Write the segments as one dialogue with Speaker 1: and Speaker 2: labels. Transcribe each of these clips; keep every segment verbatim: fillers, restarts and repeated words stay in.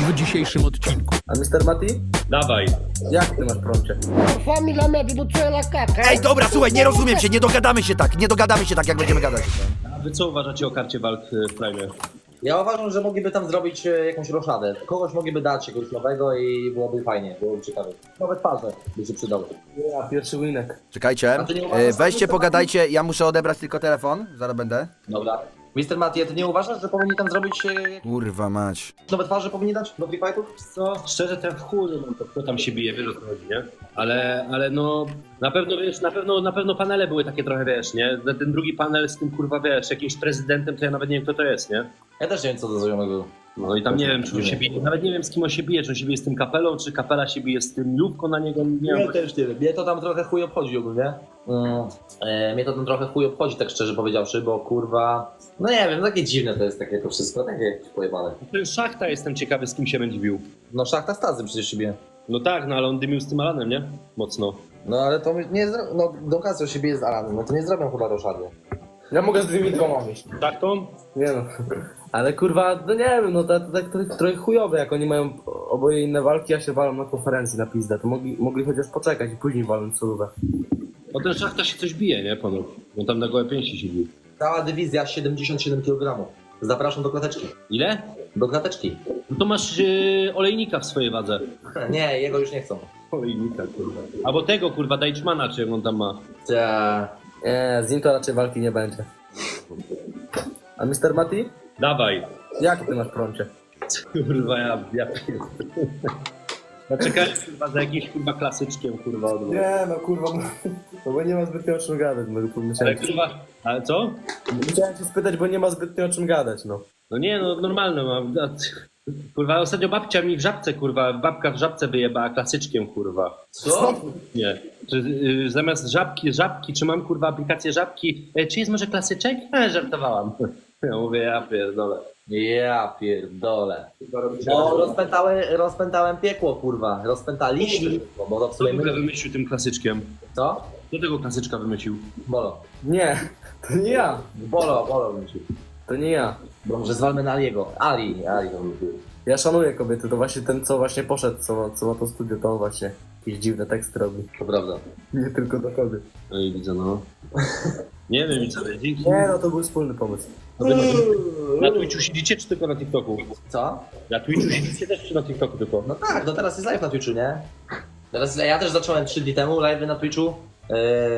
Speaker 1: w dzisiejszym odcinku.
Speaker 2: A mister Mati?
Speaker 3: Dawaj.
Speaker 2: Jak ty masz prącie?
Speaker 4: Família me abduziu la caca.
Speaker 5: Ej, dobra, słuchaj, nie rozumiem się, nie dogadamy się tak, nie dogadamy się tak, jak będziemy gadać.
Speaker 3: A wy co uważacie o karcie walk w Prime?
Speaker 6: Ja uważam, że mogliby tam zrobić e, jakąś roszadę. Kogoś mogliby dać, jakiegoś nowego i byłoby fajnie, byłoby ciekawe. Nowe twarze by się przydały.
Speaker 2: Ja, pierwszy winek.
Speaker 5: Czekajcie,
Speaker 6: A ty nie uważasz,
Speaker 5: e, weźcie,
Speaker 6: że-
Speaker 5: pogadajcie, ja muszę odebrać tylko telefon, zaraz będę.
Speaker 6: Dobra. mister Mati, a ty nie uważasz, że powinni tam zrobić e,
Speaker 5: Kurwa mać.
Speaker 6: nowe twarze, powinni dać do free fightów?
Speaker 3: Co? Szczerze, ten w chuj, no to kto tam się bije, wiesz o co chodzi, nie? Ale, ale no, na pewno, wiesz, na pewno, na pewno panele były takie trochę, wiesz, nie? Ten drugi panel z tym, kurwa, wiesz, jakimś prezydentem, to ja nawet nie wiem, kto to jest, nie?
Speaker 6: Ja też nie wiem, co do znajomego.
Speaker 3: No i tam nie wiem, czy on się bije, nawet nie wiem, z kim on się bije, czy on się bije z tym kapelą, czy kapela się bije z tym lubką na niego, nie wiem.
Speaker 6: Ja też nie wiem. Mnie to tam trochę chuj obchodzi ogólnie. Mm, e, mnie to tam trochę chuj obchodzi, tak szczerze powiedziawszy, bo kurwa... No nie wiem, takie dziwne to jest takie to wszystko, takie jakieś pojebane.
Speaker 3: Ten Szachta, jestem ciekawy, z kim się będzie bił.
Speaker 6: No Szachta Stazy przecież się bije.
Speaker 3: No tak, no ale on dymił z tym Alanem, nie? Mocno.
Speaker 6: No ale to nie zro... No Don Casio się bije z Alanem, no to nie zrobią chyba roszady.
Speaker 2: Ja mogę z dwiema dwoma mieć.
Speaker 3: Tak to?
Speaker 2: Nie no. Ale kurwa, no nie wiem, no to, to tak trochę, trochę chujowe, jak oni mają oboje inne walki, a się walą na konferencji na pizdę. To mogli, mogli chociaż poczekać i później walnąć solówę.
Speaker 3: No ten Szachta się coś bije, nie, panu? On tam na gołe pięści się bił.
Speaker 6: Cała dywizja siedemdziesiąt siedem kilogramów. Zapraszam do klateczki.
Speaker 3: Ile?
Speaker 6: Do klateczki.
Speaker 3: No to masz yy, olejnika w swojej wadze.
Speaker 6: Nie, jego już nie chcą.
Speaker 3: Olejnika, kurwa. Albo tego, kurwa, Deichmana, czy jak on tam ma.
Speaker 6: Ta...
Speaker 2: Nie, z nim to raczej walki nie będzie. A mister Mati?
Speaker 3: Dawaj.
Speaker 2: Jak ty masz prącie?
Speaker 3: Kurwa, ja, ja pierdolę. Ja czekałem, kurwa, za jakimś, kurwa, klasyczkiem, kurwa, od
Speaker 2: Nie no kurwa, no bo nie ma zbytnio o czym gadać, no
Speaker 3: Ale,
Speaker 2: pomyślałem.
Speaker 3: kurwa, ale co?
Speaker 2: Chciałem cię spytać, bo nie ma zbytnio o czym gadać, no.
Speaker 3: No nie, no normalne mam. A, kurwa, ostatnio babcia mi w żabce, kurwa, babka w żabce wyjebała klasyczkiem, kurwa.
Speaker 6: Co?
Speaker 3: Nie. Czy, y, zamiast żabki, żabki, czy mam, kurwa, aplikację żabki, e, czy jest może klasyczek? E, żartowałam. Ja mówię, ja pierdolę.
Speaker 6: Ja pierdolę. No, rozpętałem, rozpętałem piekło, kurwa. Rozpętaliśmy. Bo to w
Speaker 3: Kto
Speaker 6: sumie
Speaker 3: w ogóle
Speaker 6: my...
Speaker 3: wymyślił tym klasyczkiem?
Speaker 6: Co?
Speaker 3: Kto tego klasyczka wymyślił?
Speaker 6: Bolo.
Speaker 2: Nie, to nie ja.
Speaker 6: Bolo, bolo wymyślił.
Speaker 2: To nie ja.
Speaker 6: Bo może zwalmy na Aliego. Ali, Ali to wymyślił.
Speaker 2: Ja szanuję kobiety, to właśnie ten, co właśnie poszedł, co ma, co ma to studio, to on właśnie jakieś dziwne teksty robi.
Speaker 6: To prawda.
Speaker 2: Nie tylko do kobiet.
Speaker 3: No i widzę, no. Nie wiem, nic, ale dzięki.
Speaker 2: Nie no, to był wspólny pomysł.
Speaker 3: A wy na, na Twitchu siedzicie, czy tylko na TikToku?
Speaker 6: Co?
Speaker 3: Na Twitchu siedzicie też, czy na TikToku tylko?
Speaker 6: No tak, no teraz jest live na Twitchu, nie? Teraz ja też zacząłem trzy dni temu live na Twitchu. Yy,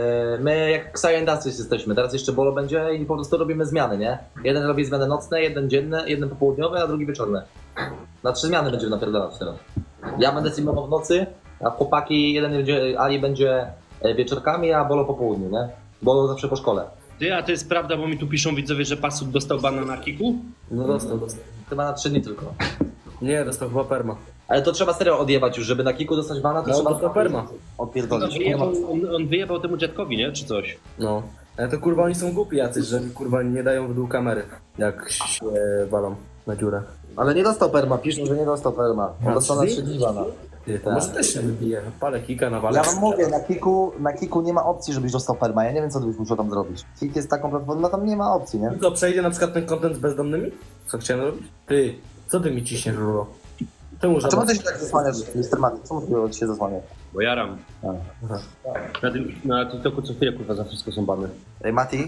Speaker 6: my jak Xayo Industries jesteśmy, teraz jeszcze Bolo będzie i po prostu robimy zmiany, nie? Jeden robi zmiany nocne, jeden dzienne, jeden popołudniowy, a drugi wieczorny. Na trzy zmiany będziemy napierdalać teraz. Ja będę streamował w nocy, a chłopaki, jeden będzie, Ali będzie wieczorkami, a Bolo po południu, nie? Bolo zawsze po szkole.
Speaker 3: Ty, a to jest prawda, bo mi tu piszą widzowie, że Pasut dostał bana na kiku?
Speaker 2: No dostał, dostał.
Speaker 6: Chyba na trzy dni tylko.
Speaker 2: Nie, dostał chyba perma.
Speaker 6: Ale to trzeba serio odjebać już, żeby na kiku dostać bana, to
Speaker 2: No,
Speaker 6: trzeba
Speaker 2: dostał perma.
Speaker 3: On
Speaker 6: odpierdolić.
Speaker 3: wyjebał, on, on wyjebał temu dziadkowi, nie? Czy coś?
Speaker 2: No. Ale to kurwa oni są głupi jacyś, że kurwa nie dają w dół kamery, jak się walą na dziurę.
Speaker 6: Ale nie dostał perma, piszą, że nie dostał perma. On
Speaker 2: A,
Speaker 6: dostał na
Speaker 2: czyli?
Speaker 6: trzy dni bana.
Speaker 2: Ty, to
Speaker 6: Tak.
Speaker 2: może też się wybije. Palę kika na walę.
Speaker 7: Ja wam mówię, na kiku, na kiku nie ma opcji, żebyś dostał perma. Ja nie wiem, co ty byś musiał tam zrobić. Kik jest taką platformą, tam nie ma opcji, nie?
Speaker 2: To przejdzie na przykład ten content z bezdomnymi? Co chciałem robić? Ty, co ty mi ciśniesz, Ruro? Czemu
Speaker 7: A
Speaker 2: żaba...
Speaker 7: czemu ty się tak zasłaniasz, mister Mati? Czemu ty się zasłaniasz?
Speaker 3: Bo jaram.
Speaker 2: Aha.
Speaker 3: Na, tym, na TikToku co chwilę, kurwa, za wszystko są bany.
Speaker 7: Ej, Mati,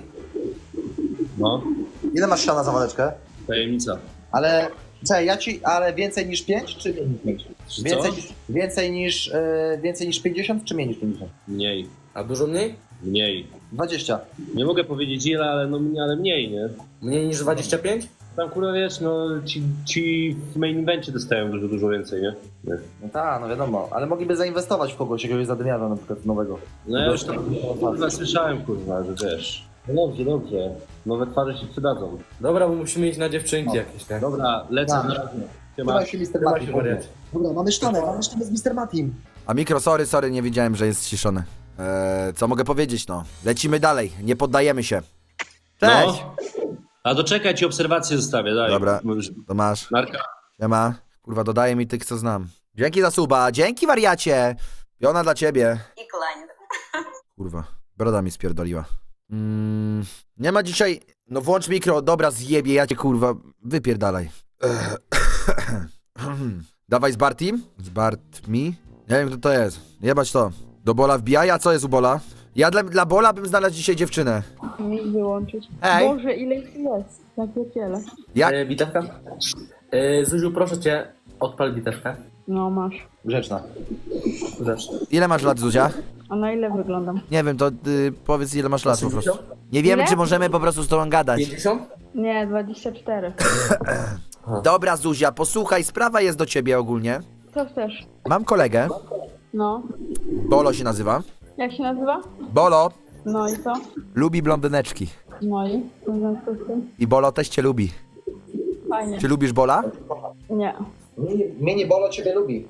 Speaker 3: No,
Speaker 7: ile masz siana za waleczkę?
Speaker 3: tajemnica.
Speaker 7: Ale, czekaj, ja ci, ale więcej niż pięć, czy mniej niż pięć?
Speaker 3: Czy
Speaker 7: Więcej
Speaker 3: co?
Speaker 7: niż, więcej niż, yy, więcej niż pięćdziesiąt, czy mniej niż pięćdziesiąt?
Speaker 3: Mniej.
Speaker 2: A dużo mniej?
Speaker 3: Mniej.
Speaker 7: dwadzieścia.
Speaker 3: Nie mogę powiedzieć ile, ale, no, ale mniej, nie?
Speaker 2: Mniej niż dwadzieścia pięć?
Speaker 3: Tam, kurwa, wiesz, no, ci, ci w main evencie dostają dużo, dużo więcej, nie? nie.
Speaker 7: No tak, no wiadomo, ale mogliby zainwestować w kogoś, jakiegoś zadymiarza na przykład nowego.
Speaker 3: No ja już tam, kurwa, słyszałem, kurwa, że wiesz. No dobrze, dobrze. Nowe twarze się przydadzą.
Speaker 2: Dobra, bo musimy iść na dziewczynki jakieś, tak?
Speaker 3: Dobra, lecę
Speaker 7: Tak.
Speaker 3: na razie. Siema.
Speaker 7: Chyba się mister
Speaker 2: Trzymaj
Speaker 7: Mati.
Speaker 2: się, wariacie.
Speaker 7: Dobra, mamy sztanę, mamy sztanę z mister Matim.
Speaker 5: A mikro, sorry, sorry, nie wiedziałem, że jest ściszony. Eee, co mogę powiedzieć, no? Lecimy dalej, nie poddajemy się. Cześć!
Speaker 3: No. A doczekaj, ci obserwacje zostawię, daj.
Speaker 5: Dobra.
Speaker 3: Możesz-
Speaker 5: To masz.
Speaker 3: Narka.
Speaker 5: Siema. Kurwa, dodaje mi tych, co znam. Dzięki za suba, dzięki wariacie! Piona dla ciebie.
Speaker 8: I klanie.
Speaker 5: Kurwa, broda mi spierdoliła. Mm, nie ma dzisiaj... No włącz mikro, dobra, zjebie, ja cię kurwa, wypierdalaj. Dawaj z Bartim? Z Bartmi? Nie wiem, kto to jest. Jebać to. Do Bola wbijaj, a co jest u Bola? Ja dla, dla Bola bym znalazł dzisiaj dziewczynę.
Speaker 1: Mi wyłączyć.
Speaker 5: Ej.
Speaker 1: Boże, ile ich jest? Ja pierdzielę.
Speaker 5: Jak?
Speaker 2: E, bitewka? E, Zuziu, proszę cię, odpal bitewkę.
Speaker 1: No masz.
Speaker 6: Grzeczna.
Speaker 2: Zresztą.
Speaker 5: Ile masz lat, Zuzia?
Speaker 1: A na ile wyglądam?
Speaker 5: Nie wiem, to y, powiedz ile masz lat po prostu.
Speaker 2: osiemdziesiąt?
Speaker 5: Nie wiemy,
Speaker 1: Ile?
Speaker 5: czy możemy po prostu z tobą gadać.
Speaker 2: pięćdziesiąt?
Speaker 1: Nie, dwadzieścia cztery.
Speaker 5: Dobra, Zuzia, posłuchaj, sprawa jest do ciebie ogólnie.
Speaker 1: Co chcesz?
Speaker 5: Mam kolegę,
Speaker 1: No.
Speaker 5: Bolo się nazywa.
Speaker 1: Jak się nazywa?
Speaker 5: Bolo
Speaker 1: No i co?
Speaker 5: lubi blondyneczki.
Speaker 1: No i? W związku z tym?
Speaker 5: I Bolo też cię lubi.
Speaker 1: Fajnie.
Speaker 5: Czy lubisz Bola?
Speaker 1: Nie.
Speaker 6: Mini Bolo ciebie lubi.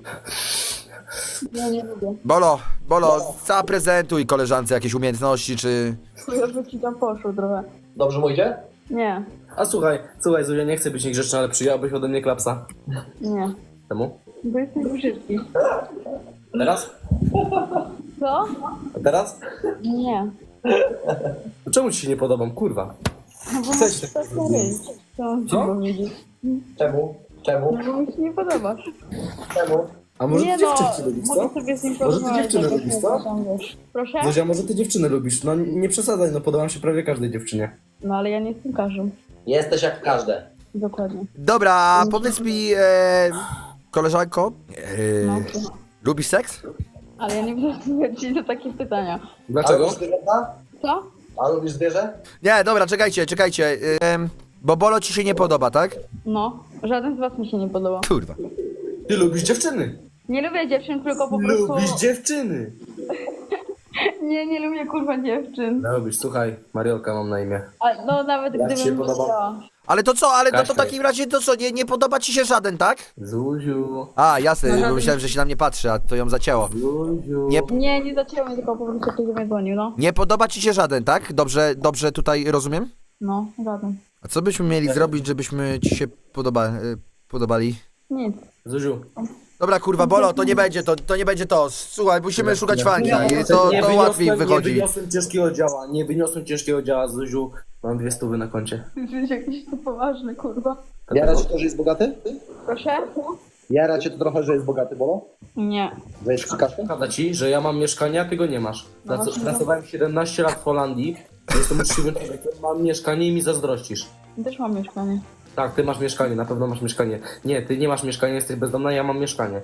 Speaker 1: Ja nie lubię.
Speaker 5: Bolo, Bolo, zaprezentuj koleżance jakieś umiejętności, czy...
Speaker 1: Chujowo ci tam poszło trochę.
Speaker 6: Dobrze mu idzie?
Speaker 1: Nie.
Speaker 2: A słuchaj, słuchaj Zuzia, nie chcę być niegrzeczny, ale przyjęłabyś ode mnie klapsa.
Speaker 1: Nie.
Speaker 2: Czemu?
Speaker 1: Bo jesteś brzydki.
Speaker 2: A teraz?
Speaker 1: Co?
Speaker 2: A teraz?
Speaker 1: Nie.
Speaker 2: Czemu ci się nie podobam, kurwa?
Speaker 1: No bo
Speaker 2: Chcesz
Speaker 1: masz
Speaker 2: tak
Speaker 1: tak ryj. Co mam ci
Speaker 2: Co?
Speaker 1: powiedzieć?
Speaker 6: Czemu? Czemu?
Speaker 1: No bo mi się nie podobasz.
Speaker 6: Czemu?
Speaker 2: A może
Speaker 1: Nie
Speaker 2: ty dziewczynki
Speaker 1: no,
Speaker 2: lubisz,
Speaker 1: mogę
Speaker 2: co?
Speaker 1: sobie z nim
Speaker 2: Może ty
Speaker 1: porozmawiać,
Speaker 2: dziewczyny
Speaker 1: jak
Speaker 2: lubisz,
Speaker 1: się
Speaker 2: co?
Speaker 1: tam, wiesz. Proszę?
Speaker 2: Zuzia, może ty dziewczyny lubisz? No nie przesadzaj, no podobam się prawie każdej dziewczynie.
Speaker 1: No ale ja nie jestem każdym.
Speaker 6: Jesteś jak każde.
Speaker 1: Dokładnie.
Speaker 5: Dobra, powiedz mi, e, koleżanko, e,
Speaker 1: No, słucham.
Speaker 5: lubisz seks?
Speaker 1: Ale ja nie będę odpowiedzieć na takie pytania.
Speaker 6: A
Speaker 2: Dlaczego?
Speaker 6: lubisz zwierzęta?
Speaker 1: Co?
Speaker 6: A lubisz zwierzę?
Speaker 5: Nie, dobra, czekajcie, czekajcie, e, bo Bolo ci się nie podoba, tak?
Speaker 1: No. Żaden z was mi się nie podoba.
Speaker 5: Kurwa.
Speaker 2: Ty lubisz dziewczyny.
Speaker 1: Nie lubię dziewczyn, tylko po prostu...
Speaker 2: Lubisz dziewczyny.
Speaker 1: Nie, nie lubię kurwa dziewczyn.
Speaker 2: Lubisz, słuchaj, Mariolka mam na imię.
Speaker 1: A, no nawet
Speaker 2: Jak ci się
Speaker 1: gdybym
Speaker 2: podoba?
Speaker 1: chciała.
Speaker 5: Ale to co, ale no to w
Speaker 2: Kasia
Speaker 5: takim razie to co, nie, nie podoba ci się żaden, tak?
Speaker 2: Zuziu,
Speaker 5: A, jasne,
Speaker 1: No
Speaker 5: bo
Speaker 1: żaden.
Speaker 5: myślałem, że się na mnie patrzy, a to ją zacięło.
Speaker 2: Zuziu.
Speaker 5: Nie,
Speaker 1: Nie, nie zaczęło mnie, tylko po prostu ktoś do mnie dzwonił, no.
Speaker 5: nie podoba ci się żaden, tak? Dobrze, dobrze tutaj rozumiem?
Speaker 1: No, żaden.
Speaker 5: A co byśmy mieli zrobić, żebyśmy ci się podoba, y, podobali?
Speaker 1: Nic.
Speaker 2: Zuziu.
Speaker 5: Dobra, kurwa, Bolo, to nie będzie to, to nie będzie to. Słuchaj, musimy szukać fanki i to,
Speaker 2: nie
Speaker 5: to
Speaker 2: wyniosłem-
Speaker 5: łatwiej
Speaker 2: Nie
Speaker 5: wychodzi.
Speaker 2: wyniosłem ciężkiego działa, nie wyniosłem ciężkiego działa, Zuziu. Mam dwie stówy na koncie.
Speaker 1: Ty jesteś jakiś tu poważny, kurwa.
Speaker 6: Jara cię to, że jest bogaty?
Speaker 1: Proszę?
Speaker 6: Jara cię to trochę, że jest bogaty, Bolo?
Speaker 1: Nie.
Speaker 6: Że jest przykaszka?
Speaker 2: Prawda ci, że ja mam mieszkanie, a ty go nie masz.
Speaker 1: No
Speaker 2: Prac-
Speaker 1: właśnie.
Speaker 2: Pracowałem siedemnaście lat w Holandii, jestem uczciwym człowiekiem, mam mieszkanie i mi zazdrościsz.
Speaker 1: Też mam mieszkanie.
Speaker 2: Tak, ty masz mieszkanie, na pewno masz mieszkanie. Nie, ty nie masz mieszkania, jesteś bezdomna, ja mam mieszkanie.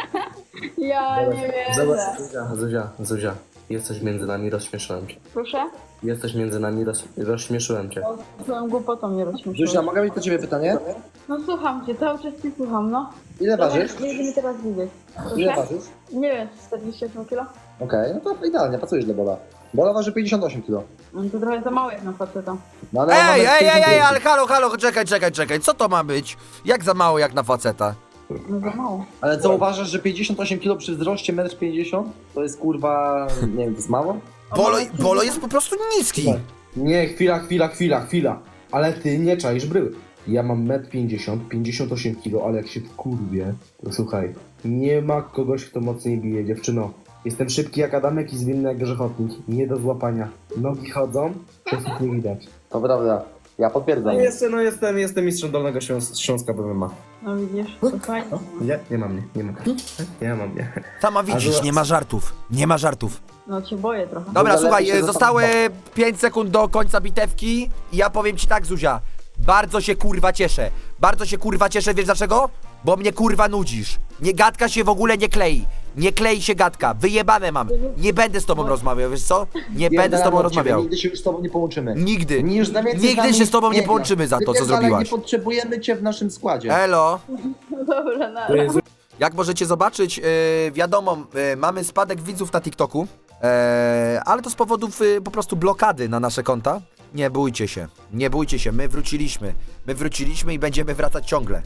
Speaker 1: Ja nie wiem.
Speaker 2: Zobacz, Zuzia, Zuzia, Zuzia, jesteś między nami, rozśmieszyłem cię.
Speaker 1: Proszę?
Speaker 2: Jesteś między nami, roz, rozśmieszyłem cię.
Speaker 1: Swoją głupotą mnie rozśmieszyłeś.
Speaker 6: Zuzia, mogę mieć do ciebie pytanie?
Speaker 1: No słucham cię, cały czas cię słucham, no.
Speaker 6: Ile ważysz?
Speaker 1: Nie będziemy teraz widzieć.
Speaker 6: Ile
Speaker 1: Proszę?
Speaker 6: ważysz?
Speaker 1: Nie wiem, czterdzieści osiem kilo?
Speaker 6: Okej, no to idealnie, pracujesz dla Bola. Bola waży pięćdziesiąt osiem kilo.
Speaker 1: No to trochę za mało jak na faceta.
Speaker 6: No, ale on ma
Speaker 5: Ej,
Speaker 6: metr
Speaker 5: ej, ej, ej,
Speaker 6: pięćdziesiąt
Speaker 5: ale halo, halo, czekaj, czekaj, czekaj, co to ma być? Jak za mało jak na faceta?
Speaker 1: No za mało.
Speaker 6: Ale co uważasz, że pięćdziesiąt osiem kilo przy wzroście metr pięćdziesiąt to jest kurwa, nie wiem, to jest mało?
Speaker 5: Bolo, Bolo jest po prostu niski.
Speaker 2: Nie, chwila, chwila, chwila, chwila. Ale ty nie czaisz bryły. Ja mam metr pięćdziesiąt, pięćdziesiąt osiem kilo, ale jak się wkurwię, to słuchaj, nie ma kogoś, kto mocniej bije, dziewczyno. Jestem szybki jak Adamek i zwinny jak grzechotnik. Nie do złapania. Nogi chodzą, czasów nie widać.
Speaker 6: To prawda, ja potwierdzam.
Speaker 2: No jeszcze, no jestem, jestem mistrzem Dolnego Śląs Śląska B M A.
Speaker 1: No widzisz, to fajnie.
Speaker 2: Nie? Nie mam, nie, nie mam. Nie mam, nie.
Speaker 5: Sama widzisz, nie ma żartów, nie ma żartów.
Speaker 1: No cię boję trochę.
Speaker 5: Dobra,
Speaker 6: Zależy
Speaker 5: słuchaj,
Speaker 6: się
Speaker 5: e,
Speaker 6: za-
Speaker 5: zostały pięć sekund do końca bitewki i ja powiem ci tak, Zuzia. Bardzo się kurwa cieszę. Bardzo się kurwa cieszę, wiesz dlaczego? Bo mnie kurwa nudzisz. Nie gadka się w ogóle nie klei. Nie klei się gadka. Wyjebane mam. Nie będę z tobą rozmawiał, wiesz co? Nie będę z tobą rozmawiał.
Speaker 6: Nigdy się już z tobą nie połączymy.
Speaker 5: Nigdy.
Speaker 6: Nie, już na więcej
Speaker 5: Nigdy
Speaker 6: nami
Speaker 5: się z tobą nie
Speaker 6: gra.
Speaker 5: połączymy za to, co
Speaker 6: Wypierdalaj,
Speaker 5: zrobiłaś.
Speaker 6: Nie potrzebujemy cię w naszym składzie.
Speaker 5: Elo.
Speaker 1: No dobra, na
Speaker 5: Jak możecie zobaczyć, yy, wiadomo, yy, mamy spadek widzów na TikToku, yy, ale to z powodów yy, po prostu blokady na nasze konta. Nie bójcie się, nie bójcie się, my wróciliśmy. My wróciliśmy i będziemy wracać ciągle.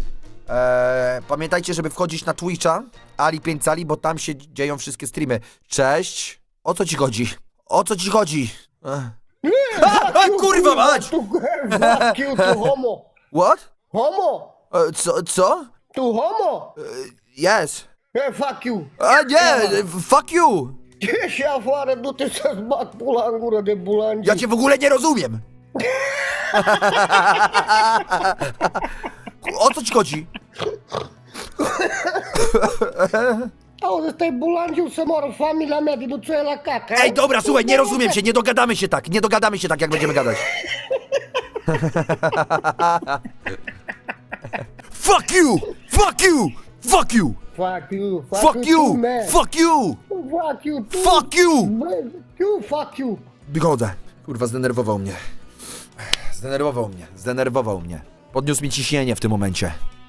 Speaker 5: Eee, pamiętajcie, żeby wchodzić na Twitcha, Ali pięć Cali, bo tam się dzieją wszystkie streamy. Cześć! O co ci chodzi? O co ci chodzi? Ech. A, a, kurwa mać!
Speaker 4: Tu, fuck you, tu homo.
Speaker 5: What?
Speaker 4: Homo.
Speaker 5: E, co? Co?
Speaker 4: Tu homo.
Speaker 5: Yes.
Speaker 4: E, fuck you.
Speaker 5: A nie, fuck you!
Speaker 4: Ce și afară, du-te să-ți bat pula în gură de bulangi.
Speaker 5: Ja cię w ogóle nie rozumiem! O co ci chodzi?
Speaker 4: Auzi, stai bulangiu să moară familia mea din uțoie la caca.
Speaker 5: Ej, dobra, słuchaj, nie rozumiemy się, nie dogadamy się tak, nie dogadamy się tak, jak będziemy gadać. Fuck you! Fuck you! Fuck you!
Speaker 4: Fuck you, fuck,
Speaker 5: Fuck you!
Speaker 4: too, man.
Speaker 5: Fuck you!
Speaker 4: Fuck you, too.
Speaker 5: Fuck you!
Speaker 4: Man, you, fuck you.
Speaker 5: Wychodzę. Kurwa, zdenerwował mnie. Zdenerwował mnie, zdenerwował mnie. Podniósł mi ciśnienie w tym momencie.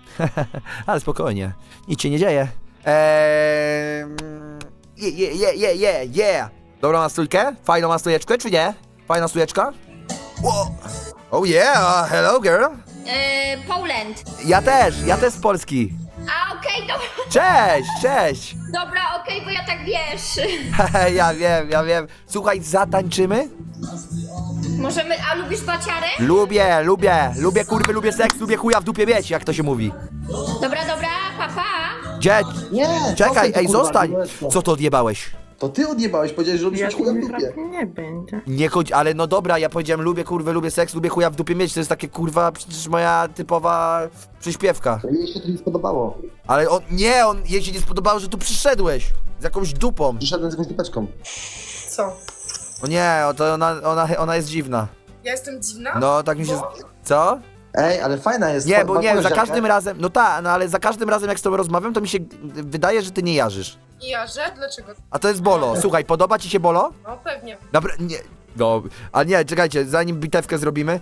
Speaker 5: Ale spokojnie, nic się nie dzieje. Eee... Yeah, yeah, yeah, yeah, yeah, yeah. Dobrą nastrójkę? Fajną nastrójeczkę, czy nie? Fajna strójeczka? Wow. Oh yeah, hello girl.
Speaker 8: Yy, Poland.
Speaker 5: Ja też, ja też z Polski.
Speaker 8: A okej, dobra,
Speaker 5: Cześć, cześć.
Speaker 8: dobra, okej, bo ja tak wiesz.
Speaker 5: Ja wiem, ja wiem. Słuchaj, zatańczymy?
Speaker 8: Możemy, a lubisz baciarę?
Speaker 5: Lubię, lubię, lubię kurwy, lubię seks, lubię chuja w dupie mieć, jak to się mówi.
Speaker 8: Dobra, dobra, papa.
Speaker 5: Gdzie?
Speaker 7: Nie!
Speaker 5: Czekaj,
Speaker 7: zostań tu,
Speaker 5: ej,
Speaker 7: kurwa,
Speaker 5: zostań.
Speaker 7: dzieweczko.
Speaker 5: Co to odjebałeś?
Speaker 7: To ty odjebałeś, powiedziałeś, że lubisz mieć chuja w dupie.
Speaker 1: nie będzie.
Speaker 5: Nie chodź, ale no dobra, ja powiedziałem lubię kurwę, lubię seks, lubię chuja w dupie mieć, to jest takie kurwa, przecież moja typowa przyśpiewka.
Speaker 7: To jej się to nie spodobało.
Speaker 5: Ale on, nie, on, jej się nie spodobało, że tu przyszedłeś. Z jakąś dupą.
Speaker 7: Przyszedłem z jakąś dupeczką.
Speaker 9: Co?
Speaker 5: O nie, o to ona, ona, ona jest dziwna.
Speaker 9: Ja jestem dziwna?
Speaker 5: No, tak mi się...
Speaker 9: Bo?
Speaker 5: Co?
Speaker 7: Ej, ale fajna jest.
Speaker 5: Nie,
Speaker 7: ma-
Speaker 5: bo
Speaker 7: ma
Speaker 5: nie, za
Speaker 7: koleżankę.
Speaker 5: każdym razem, no tak, no ale za każdym razem jak z tobą rozmawiam, to mi się wydaje, że ty nie jarzysz.
Speaker 9: I ja, że? Dlaczego?
Speaker 5: A to jest Bolo. Słuchaj, podoba ci się Bolo?
Speaker 9: No pewnie.
Speaker 5: Dobra, nie. No, a nie, czekajcie, zanim bitewkę zrobimy.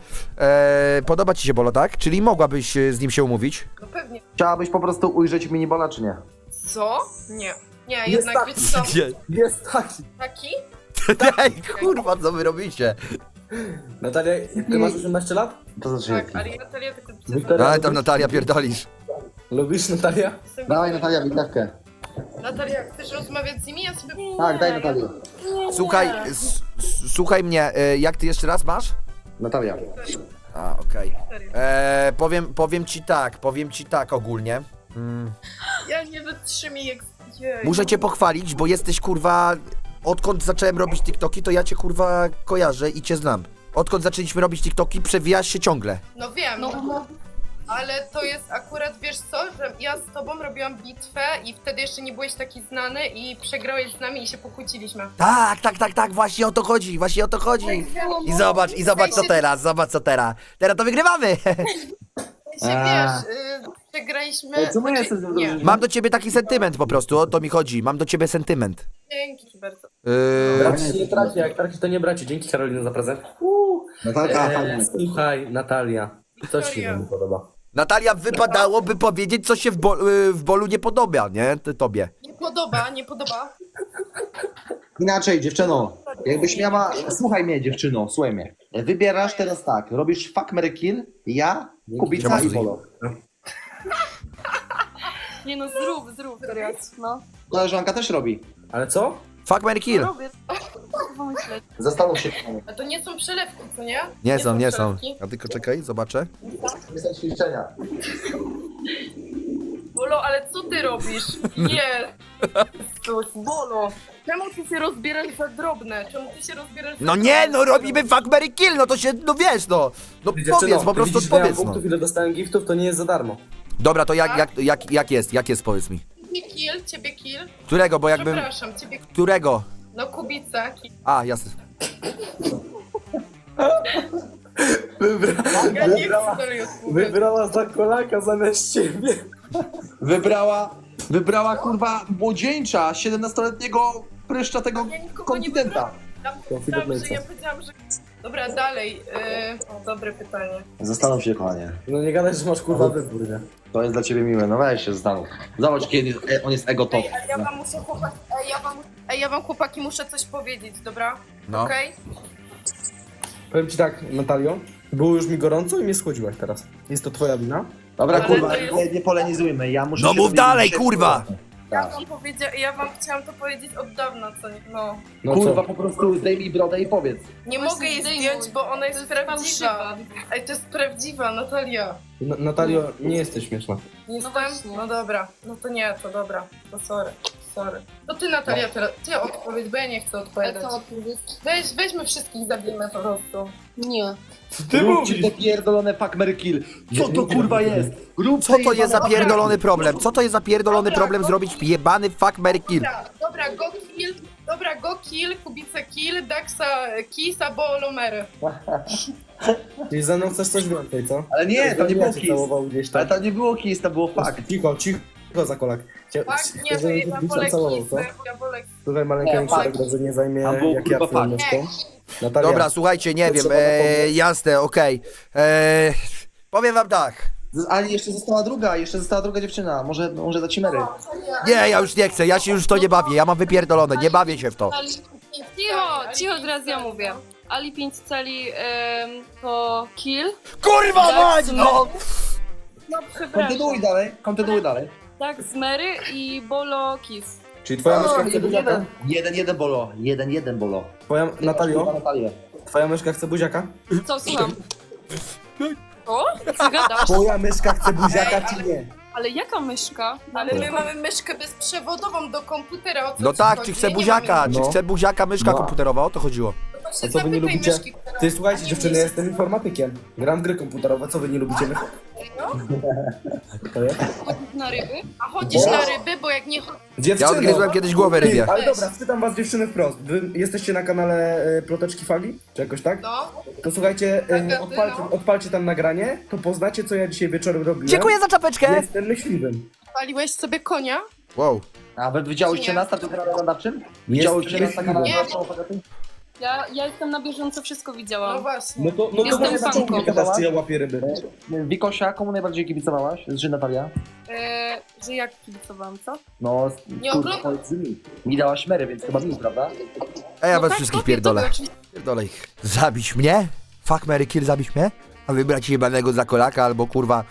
Speaker 5: E, podoba ci się Bolo, tak? Czyli mogłabyś e, z nim się umówić?
Speaker 9: No pewnie.
Speaker 7: Chciałabyś po prostu ujrzeć minibola, czy nie?
Speaker 9: Co? Nie. Nie,
Speaker 7: Jest
Speaker 9: jednak
Speaker 7: tak.
Speaker 9: wiecie co?
Speaker 5: Nie.
Speaker 7: Jest taki.
Speaker 9: Taki?
Speaker 5: Ej, kurwa, co wy robicie?
Speaker 2: Natalia, ty masz osiemnaście lat?
Speaker 7: To znaczy
Speaker 9: Tak,
Speaker 7: jaki?
Speaker 9: ale ja Natalia tylko
Speaker 2: Wiktoria,
Speaker 5: Ale tam Natalia pierdolisz.
Speaker 2: lubisz Natalia?
Speaker 9: Jestem
Speaker 7: Dawaj
Speaker 9: Wiktoria.
Speaker 7: Natalia, bitewkę.
Speaker 9: Natalia, chcesz rozmawiać z nimi? Ja sobie...
Speaker 7: Tak, daj Natalię.
Speaker 5: Słuchaj, s, s, słuchaj mnie, e, jak ty jeszcze raz masz?
Speaker 7: Natalia.
Speaker 5: A, okej. E, Powiem, powiem ci tak, powiem ci tak ogólnie. Mm.
Speaker 9: Ja nie wytrzymie jak... Jej.
Speaker 5: Muszę cię pochwalić, bo jesteś kurwa. Odkąd zacząłem robić TikToki, to ja cię kurwa kojarzę i cię znam. Odkąd zaczęliśmy robić TikToki, przewijasz się ciągle.
Speaker 9: No wiem,
Speaker 8: No,
Speaker 9: ale to jest akurat, wiesz co, że ja z tobą robiłam bitwę i wtedy jeszcze nie byłeś taki znany i przegrałeś z nami i się pokłóciliśmy.
Speaker 5: Tak, tak, tak, tak, właśnie o to chodzi, właśnie o to chodzi. I zobacz, i zobacz co teraz, zobacz co teraz. Teraz to wygrywamy.
Speaker 9: Się, wiesz, y, przegraliśmy...
Speaker 7: Ej, czemu
Speaker 9: znaczy,
Speaker 7: jesteś z nią
Speaker 9: nie,
Speaker 7: drużyną?
Speaker 5: Mam do ciebie taki sentyment po prostu, o to mi chodzi. Mam do ciebie sentyment.
Speaker 9: dzięki bardzo.
Speaker 5: Yy,
Speaker 2: Braci nie traci, jak traci to nie braci. Dzięki Karolina za prezent.
Speaker 7: Natalka,
Speaker 2: Eee,
Speaker 7: fajnie.
Speaker 2: słuchaj, Natalia, co ci się nie podoba?
Speaker 5: Natalia, wypadałoby powiedzieć, co się w, bo, yy, w bolu nie podoba, nie? Ty, tobie.
Speaker 9: Nie podoba, nie podoba.
Speaker 7: Inaczej, dziewczyno. Jakbyś miała... Słuchaj mnie, dziewczyno, słuchaj mnie. Wybierasz teraz tak, robisz fuck, marry, kill, ja, Kubica
Speaker 5: Siema,
Speaker 7: i
Speaker 5: Suzy.
Speaker 7: Bolo.
Speaker 1: Nie no, zrób, zrób teraz, no.
Speaker 7: Koleżanka też robi.
Speaker 2: Ale co?
Speaker 5: Fuck, marry, kill.
Speaker 1: Robię. Kurwa myślę.
Speaker 7: Zastanów się.
Speaker 9: A to nie są przelewki, co nie?
Speaker 5: Nie są, nie są.
Speaker 9: przelewki.
Speaker 5: A tylko czekaj, zobaczę.
Speaker 7: Nie są ćwiczenia.
Speaker 9: Bolo, ale co ty robisz? Nie! Jezus, Bolo! Czemu ty się rozbierasz za drobne? Czemu ty się rozbierasz za
Speaker 5: No nie, no robimy fuck, marry, kill, no to się, no wiesz, no. No
Speaker 2: Dziewczyno,
Speaker 5: powiedz, po
Speaker 2: ty
Speaker 5: prostu
Speaker 2: widzisz, ile ja mam
Speaker 5: odpowiedz, no.
Speaker 2: punktów, ile dostałem giftów, to nie jest za darmo.
Speaker 5: Dobra, to jak, jak, jak, jak jest, jak jest, powiedz mi.
Speaker 9: Ciebie kill, ciebie kill.
Speaker 5: Którego, bo jakbym...
Speaker 9: Przepraszam, ciebie
Speaker 5: Którego?
Speaker 9: No Kubica, kill.
Speaker 5: A, jasne.
Speaker 9: Ja nie chcę dalej odpowiedzieć.
Speaker 2: Wybrała za kolaka zamiast ciebie.
Speaker 7: Wybrała, wybrała kurwa młodzieńcza, siedemnastoletniego pryszcza tego
Speaker 9: Ja nikogo nie
Speaker 7: konfidenta.
Speaker 9: Ja powiedziałam, że ja powiedziałam, że... Dobra, dalej. Yy... O, dobre pytanie.
Speaker 7: Zastanów się, kochanie.
Speaker 2: No nie gadaj, że masz kurwa wybór, nie?
Speaker 7: To jest dla ciebie miłe, no weź się zastanów. Zobacz, kiedy e, on jest ego top.
Speaker 9: Ej, ale ja wam muszę chłopaki... Ej, ja wam... Ej, ja wam chłopaki muszę coś powiedzieć, dobra?
Speaker 5: No.
Speaker 9: Okej?
Speaker 2: Powiem ci tak, Natalio, było już mi gorąco i mnie schłodziłaś teraz. Jest to twoja wina?
Speaker 7: Dobra,
Speaker 9: Ale
Speaker 7: kurwa,
Speaker 9: to jest-
Speaker 7: nie, nie polenizujmy, ja muszę
Speaker 5: No
Speaker 7: się
Speaker 5: mów
Speaker 7: dowiedzieć,
Speaker 5: dalej,
Speaker 7: gdzie-
Speaker 5: kurwa!
Speaker 9: Ja
Speaker 7: Tak.
Speaker 9: wam powiedzia... ja wam chciałam to powiedzieć od dawna, co nie? No.
Speaker 2: No
Speaker 7: Kurwa,
Speaker 2: co?
Speaker 7: po prostu zdejmij brodę i powiedz.
Speaker 9: Nie
Speaker 1: Właśnie
Speaker 9: mogę jej
Speaker 1: zdejmuj.
Speaker 9: zdjąć, bo ona jest,
Speaker 1: To jest
Speaker 9: prawdziwa.
Speaker 1: fałszywa.
Speaker 9: Ej, to jest prawdziwa, Natalia.
Speaker 2: Na- Natalio, nie jesteś śmieszna.
Speaker 9: Nie
Speaker 1: No
Speaker 9: jestem?
Speaker 1: właśnie.
Speaker 9: No dobra, no to nie, to dobra. To sorry, sorry. To ty Natalia teraz, ty odpowiedz, bo ja nie chcę
Speaker 1: Ale
Speaker 9: odpowiadać.
Speaker 1: co odpowiedź?
Speaker 9: Weź, weźmy wszystkich, zabijmy po prostu.
Speaker 1: Nie.
Speaker 2: Ty
Speaker 7: Róbcie te pierdolone fuck, Mary kill. Co to kurwa jest? Róbcie
Speaker 5: Co to jest za
Speaker 7: jebane-
Speaker 5: pierdolony problem? Co to jest za pierdolony
Speaker 9: Dobra,
Speaker 5: problem
Speaker 9: no.
Speaker 5: zrobić jebany fuck, marry, kill?
Speaker 9: Dobra, dobra, go kill, dobra, go kill, Kubica kill, Daxa kiss, albo Lomery.
Speaker 2: Czyli ze mną chcesz coś więcej, co?
Speaker 7: Ale nie, to nie było
Speaker 2: Ja cię
Speaker 7: kiss.
Speaker 2: całował gdzieś tam.
Speaker 7: Ale to nie było kiss, to było fuck.
Speaker 2: Cicho, cicho, za kolak. Chcia-
Speaker 9: Tak,
Speaker 2: chcesz,
Speaker 9: nie, to
Speaker 2: żebym
Speaker 9: ja
Speaker 2: gdzieś tam
Speaker 9: wolę
Speaker 2: całował, co?
Speaker 9: kissy, ja wolę
Speaker 2: Słuchaj, maleńka,
Speaker 7: Nie,
Speaker 2: niech się
Speaker 7: fuck.
Speaker 2: tak dobrze nie zajmie,
Speaker 7: Tam było,
Speaker 2: jak ja
Speaker 7: kurwa,
Speaker 2: twoją
Speaker 7: fuck.
Speaker 2: myszką. Natalia,
Speaker 5: Dobra, słuchajcie, nie
Speaker 2: to
Speaker 5: wiem,
Speaker 2: trzeba
Speaker 5: e,
Speaker 2: zapomnieć.
Speaker 5: jasne, okej. E, powiem wam tak.
Speaker 7: Z- Ale jeszcze została druga, jeszcze została druga dziewczyna. Może, może za ci Mary.
Speaker 5: Nie, ja już nie chcę, ja się już w to nie bawię, ja mam wypierdolone, nie bawię się w to.
Speaker 1: Cicho, cicho, teraz ja mówię. Ali pięć cali em, to kill.
Speaker 5: Kurwa mać, no!
Speaker 1: No przepraszam.
Speaker 7: Kontynuuj dalej, kontynuuj dalej.
Speaker 1: Tak, z Mary i Bolo kiss.
Speaker 2: czyli twoja myszka chce
Speaker 7: jeden,
Speaker 2: buziaka?
Speaker 7: jeden, jeden, jeden bolo, jeden, jeden bolo.
Speaker 2: Twoja, Natalio,
Speaker 7: Natalię.
Speaker 2: twoja myszka chce buziaka?
Speaker 1: Co, słucham? O? Co gadasz?
Speaker 2: Twoja myszka chce buziaka, czy nie?
Speaker 1: Ale jaka myszka?
Speaker 9: Ale my mamy myszkę bezprzewodową do komputera, o co
Speaker 5: No
Speaker 9: ci
Speaker 5: tak,
Speaker 9: chodzi?
Speaker 5: czy chce
Speaker 9: Ja nie
Speaker 5: buziaka,
Speaker 9: mam
Speaker 5: czy
Speaker 2: No.
Speaker 5: chce buziaka, myszka
Speaker 2: No.
Speaker 5: komputerowa, o to chodziło.
Speaker 9: myszki. To
Speaker 2: A
Speaker 9: się
Speaker 2: co wy nie
Speaker 9: zapytaj
Speaker 2: lubicie?
Speaker 9: myszki, która-
Speaker 2: Ty słuchajcie
Speaker 9: a nie
Speaker 2: dziewczyny,
Speaker 9: mnie.
Speaker 2: ja jestem informatykiem. Gram w gry komputerowe, co wy nie lubicie myszek? To jest?
Speaker 1: Chodzisz na ryby?
Speaker 9: A chodzisz
Speaker 2: Bo-
Speaker 9: na ryby, bo jak nie chodzisz...
Speaker 5: Ja
Speaker 2: Dziewczyno!
Speaker 5: odgryzłem kiedyś głowę rybie.
Speaker 2: Ale dobra, spytam was dziewczyny wprost. Wy jesteście na kanale e, Ploteczki Fali? Czy jakoś tak?
Speaker 9: No,
Speaker 2: To słuchajcie, e,
Speaker 9: Tak,
Speaker 2: odpalcie,
Speaker 9: no.
Speaker 2: odpalcie tam nagranie, to poznacie co ja dzisiaj wieczorem robiłem.
Speaker 5: Dziękuję za czapeczkę!
Speaker 2: Jestem myśliwym.
Speaker 9: paliłeś sobie konia?
Speaker 5: Wow.
Speaker 7: A wy widziałyście
Speaker 9: Nie.
Speaker 7: nas na tym kanale oglądawczym?
Speaker 2: Jest
Speaker 7: Widziałyście nas na kanale
Speaker 9: Nie.
Speaker 7: oglądawczym?
Speaker 1: Ja, ja jestem na bieżąco, wszystko
Speaker 9: No
Speaker 1: widziałam.
Speaker 9: właśnie.
Speaker 2: No to, no to
Speaker 1: Jestem
Speaker 2: może
Speaker 1: fanką.
Speaker 2: zacząć gadać, czy ja łapię ryby.
Speaker 7: Wikosia, komu najbardziej kibicowałaś? Czy Natalia?
Speaker 1: E, że jak kibicowałam, co?
Speaker 7: No,
Speaker 9: Nie
Speaker 7: kurwa,
Speaker 9: oglądam.
Speaker 7: powiedz mi. Mi dałaś Mary, więc chyba mi, prawda?
Speaker 5: A ja
Speaker 1: No
Speaker 5: was
Speaker 1: tak,
Speaker 5: wszystkich
Speaker 1: tobie,
Speaker 5: pierdolę.
Speaker 1: tobie oczywiście.
Speaker 5: Pierdolę ich. Zabić mnie? Fuck, marry, kill, zabić mnie? A wybrać jebanego za kolaka albo kurwa...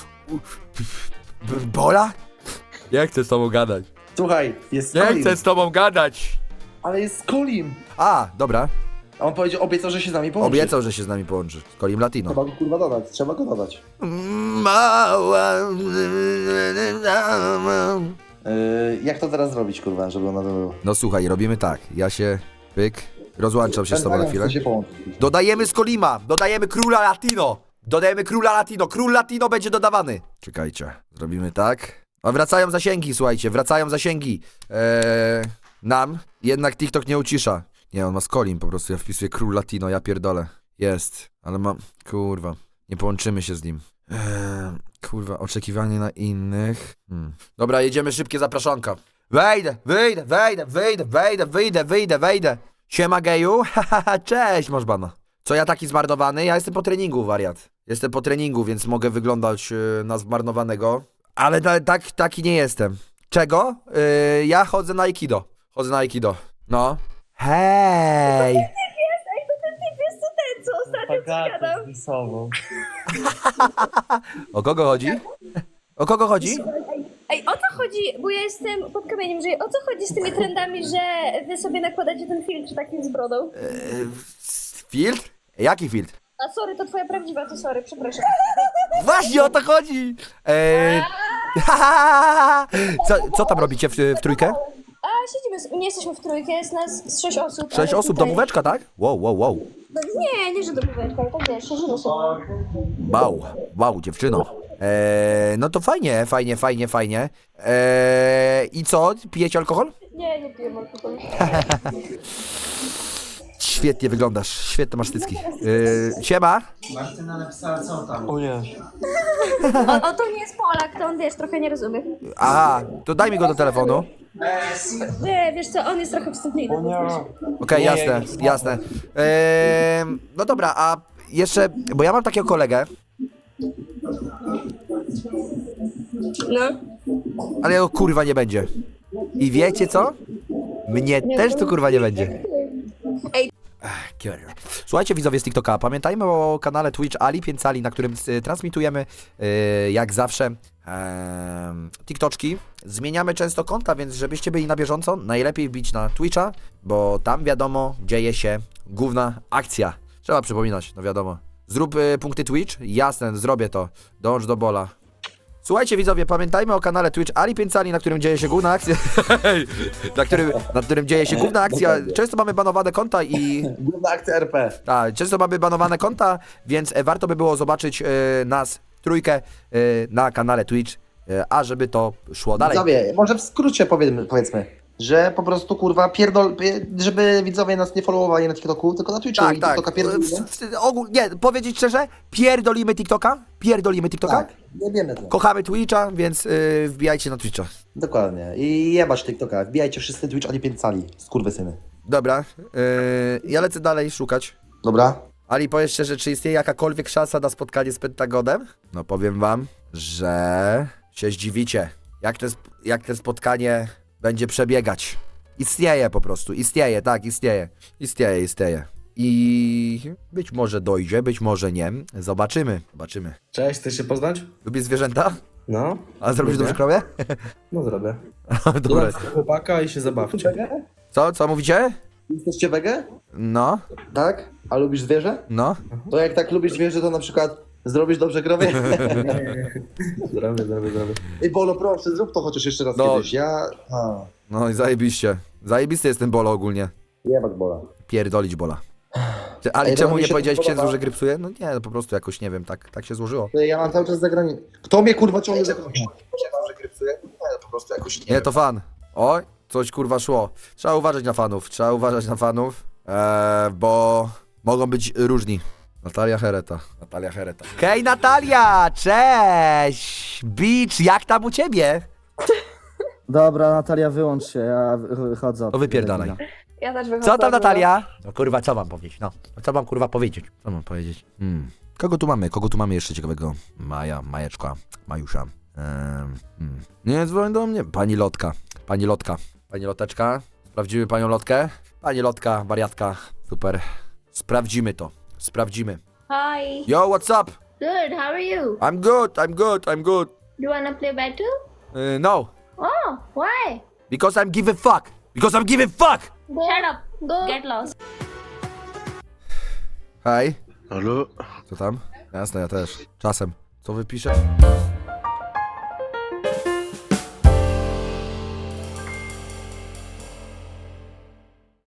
Speaker 5: B- Bola? Nie chcę z tobą gadać.
Speaker 7: Słuchaj, jest
Speaker 5: Nie
Speaker 7: Kolim,
Speaker 5: chcę z tobą gadać.
Speaker 7: ale jest Kolim.
Speaker 5: A, dobra.
Speaker 7: A on powiedział, obiecał, że się z nami połączy.
Speaker 5: Obiecał, że się z nami połączy. Z Kolim Latino.
Speaker 7: Trzeba go kurwa dodać, trzeba go dodać.
Speaker 5: Mała...
Speaker 7: Yy, jak to teraz zrobić, kurwa, żeby ona to było?
Speaker 5: No słuchaj, robimy tak. Ja się... Pyk. Rozłączam się z tobą na chwilę.
Speaker 7: się połączyć.
Speaker 5: Dodajemy z Kolima. Dodajemy Króla Latino. Dodajemy Króla Latino. Król Latino będzie dodawany. Czekajcie. Zrobimy tak. A wracają zasięgi, słuchajcie. Wracają zasięgi. Eee, nam. Jednak TikTok nie ucisza. Nie, on ma z Kolim po prostu. Ja wpisuję Król Latino. Ja pierdolę. Jest. Ale mam... Kurwa. Nie połączymy się z nim. Eee, kurwa. Oczekiwanie na innych. Hmm. Dobra, jedziemy szybkie zapraszonka. Wejdę, wyjdę, wejdę, wyjdę, wejdę, wyjdę, wyjdę, wejdę. Siema geju, hahaha, cześć, masz bana. Co ja taki zmarnowany? Ja jestem po treningu, wariat. Jestem po treningu, więc mogę wyglądać yy, na zmarnowanego. Ale ta, tak, taki nie jestem. Czego? Yy, ja chodzę na Aikido. Chodzę na Aikido. No. Hej! O kogo chodzi? O kogo chodzi?
Speaker 8: Ej, o co chodzi? Bo ja jestem pod kamieniem, że o co chodzi z tymi trendami, że wy sobie nakładacie ten filtr taki z brodą?
Speaker 5: Yy, filtr? Jaki filtr?
Speaker 8: A sorry, to twoja prawdziwa, to sorry, przepraszam.
Speaker 5: Właśnie o to chodzi! Eee, co, co tam robicie w, w trójkę?
Speaker 8: A siedzimy, nie jesteśmy w trójkę, jest nas z sześć osób.
Speaker 5: Sześć
Speaker 8: ale
Speaker 5: osób,
Speaker 8: tutaj-
Speaker 5: domóweczka, tak? Wow, wow, wow.
Speaker 8: No nie, nie, że domóweczka, ale tak wiesz, siedzimy sobie.
Speaker 5: Wow, wow, dziewczyno. Eee, no to fajnie, fajnie, fajnie, fajnie. Eee, I co? Pijecie alkohol?
Speaker 8: Nie, nie pijemy alkoholu.
Speaker 5: Świetnie wyglądasz, świetne masz cycki. Eee, siema.
Speaker 8: On, on to nie jest Polak, to on wiesz, trochę nie rozumie.
Speaker 5: Aha, to daj mi go do telefonu.
Speaker 8: Nie, wiesz co, on jest trochę wstępny.
Speaker 5: Okej, jasne, jasne. Eee, no dobra, a jeszcze, bo ja mam takiego kolegę,
Speaker 8: No.
Speaker 5: ale jego kurwa nie będzie. I wiecie co? Mnie też tu kurwa nie będzie.
Speaker 8: Ej.
Speaker 5: Ach, kurwa. Słuchajcie widzowie z TikToka, pamiętajmy o kanale Twitch Ali pięć Ali, na którym y, transmitujemy y, jak zawsze y, TikToczki. Zmieniamy często konta, więc żebyście byli na bieżąco, najlepiej wbić na Twitcha, bo tam wiadomo dzieje się główna akcja. Trzeba przypominać, no wiadomo. Zrób y, punkty Twitch? Jasne, zrobię to. Dąż do bola. Słuchajcie widzowie, pamiętajmy o kanale Twitch Ali pięć Cali, na którym dzieje się główna akcja. na, którym, na którym dzieje się główna akcja. Często mamy banowane konta i...
Speaker 7: Główna akcja R P.
Speaker 5: Tak, często mamy banowane konta, więc e, warto by było zobaczyć e, nas trójkę e, na kanale Twitch, e, a żeby to szło dalej.
Speaker 7: Widzowie, może w skrócie powiedzmy, powiedzmy, że po prostu kurwa pierdol, żeby widzowie nas nie followowali na TikToku, tylko na Twitchu
Speaker 5: Tak,
Speaker 7: i
Speaker 5: tak.
Speaker 7: TikToka pierdolimy.
Speaker 5: W- w- ogól- nie, powiedzieć szczerze, pierdolimy TikToka, pierdolimy TikToka.
Speaker 7: Tak, nie wiemy to.
Speaker 5: Kochamy Twitcha, więc y, wbijajcie na Twitcha.
Speaker 7: Dokładnie. I jebać TikToka. Wbijajcie wszyscy Twitch Ali pięć Cali. Skurwysyny.
Speaker 5: Dobra, y, ja lecę dalej szukać.
Speaker 7: Dobra?
Speaker 5: Ali, powiedz szczerze, czy istnieje jakakolwiek szansa na spotkanie z Pentagonem? No powiem wam, że się zdziwicie, jak to, sp- jak to spotkanie będzie przebiegać. Istnieje po prostu, istnieje, tak, istnieje. Istnieje, istnieje. I być może dojdzie, być może nie. Zobaczymy, zobaczymy.
Speaker 2: Cześć, chcesz się poznać?
Speaker 5: Lubisz zwierzęta?
Speaker 2: No.
Speaker 5: A zrobisz
Speaker 2: Lubię.
Speaker 5: dobrze krowie?
Speaker 2: No zrobię.
Speaker 5: Dobra.
Speaker 2: Dodam chłopaka i się zabawcie.
Speaker 5: Co, co mówicie?
Speaker 7: Jesteście wege?
Speaker 5: No,
Speaker 7: Tak? A lubisz zwierzę?
Speaker 5: no.
Speaker 7: To jak tak lubisz zwierzę, to na przykład zrobisz dobrze krowie?
Speaker 2: Zrobię, zrobię, zrobię.
Speaker 7: Ej, Bolo, proszę, zrób to chociaż jeszcze raz
Speaker 5: No.
Speaker 7: kiedyś. Ja... A,
Speaker 5: No i zajebiście. Zajebisty jest ten bolo ogólnie.
Speaker 7: jebać Bola.
Speaker 5: Pierdolić bola. Ty, Ale
Speaker 7: Ej,
Speaker 5: czemu
Speaker 7: no mi
Speaker 5: nie
Speaker 7: się
Speaker 5: powiedziałeś
Speaker 7: to
Speaker 5: księdzu,
Speaker 7: podoba.
Speaker 5: że gry psuje? No nie, no po prostu jakoś, nie wiem, tak, tak się złożyło.
Speaker 7: Ty, Ja mam cały czas zagranie. Kto mnie kurwa ciągnie za krowie? że grypsuje? Nie, po prostu jakoś
Speaker 5: Nie, to fan. Oj, coś kurwa szło. Trzeba uważać na fanów, trzeba uważać na fanów, eee, bo mogą być różni. Natalia Hereta. Natalia Hereta. Hej Natalia, cześć! Beach, jak tam u ciebie?
Speaker 10: Dobra, Natalia, wyłącz się, ja wy- wychodzę.
Speaker 5: To wypierdalaj.
Speaker 8: Ja też wychodzę.
Speaker 5: Co tam Natalia? No kurwa, co mam powiedzieć? No, co mam kurwa powiedzieć? Co mam powiedzieć? Hmm. Kogo tu mamy? Kogo tu mamy jeszcze ciekawego? Maja, Majeczka, Majusza. Ehm, hmm. Nie dzwoń do mnie. Pani Lotka. Pani Lotka. Pani Loteczka. Sprawdzimy panią Lotkę. Pani Lotka, wariatka. Super. Sprawdzimy to. Sprawdzimy.
Speaker 8: Hi.
Speaker 5: Yo, what's up?
Speaker 8: Good, how are you?
Speaker 5: I'm good, I'm good, I'm good.
Speaker 8: Do you wanna play battle?
Speaker 5: Uh, no,
Speaker 8: Oh, why?
Speaker 5: because I'm giving fuck. Because I'm giving fuck!
Speaker 8: Shut up. Go. Get lost.
Speaker 5: Hej.
Speaker 3: Halo?
Speaker 5: Co tam? Jasne, ja też. Czasem. Co wypiszę?